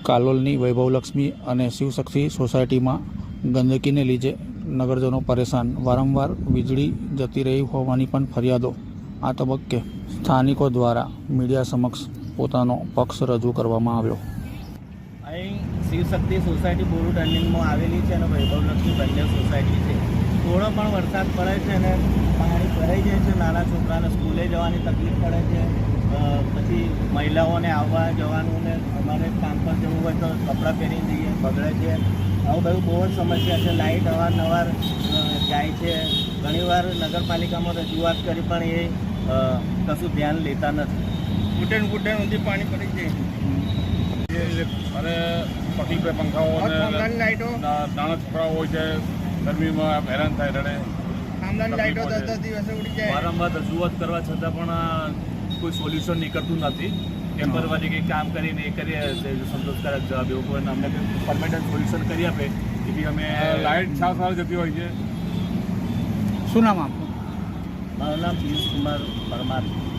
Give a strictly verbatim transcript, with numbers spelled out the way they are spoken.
કાલોલની વૈભવલક્ષ્મી અને શિવશક્તિ સોસાયટીમાં ગંદકીને લીધે નગરજનો પરેશાન, વારંવાર વીજળી જતી રહી હોવાની પણ ફરિયાદો. આ તબક્કે સ્થાનિકો દ્વારા મીડિયા સમક્ષ પોતાનો પક્ષ રજૂ કરવામાં આવ્યો. અહીં શિવશક્તિ સોસાયટી બોરુ ટર્નિંગમાં આવેલી છે અને વૈભવલક્ષ્મી બંને સોસાયટી છે. થોડો પણ વરસાદ પડે છે અને પાણી ભરાઈ જાય છે. નાના છોકરાને સ્કૂલે જવાની તકલીફ પડે છે. પછી મહિલાઓને આવવા જવાનું ને અમારે કામ પર જવું હોય તો કપડાં પહેરીને જઈએ, બગડે છે. આવું બધું બહુ જ સમસ્યા છે. લાઇટ અવારનવાર જાય છે. ઘણીવાર નગરપાલિકામાં રજૂઆત કરી પણ એ કશું ધ્યાન લેતા નથી. ઘૂંટણ ઘૂંટણ સુધી પાણી પડી જાય અને પટી પે પંખાઓ લાઇટો નાના છોકરાઓ હોય છે, ગરમીમાં હેરાન થાય રડે. ખાનદાની લાઇટો દસ દસ દિવસે ઉડી જાય. વારંવાર રજૂઆત કરવા છતાં પણ કોઈ સોલ્યુશન નીકળતું નથી. ટેમ્પરરી કંઈ કામ કરીને એ કરીએ સંતોષકારક જવાબ એવો કોઈ અમને કંઈ પરમેનન્ટ સોલ્યુશન કરી આપે એવી અમે. લાઇટ સાવ સાવ જતી હોય છે. શું નામ આપનું? મારું નામ પિયુષ કુમાર પરમાર.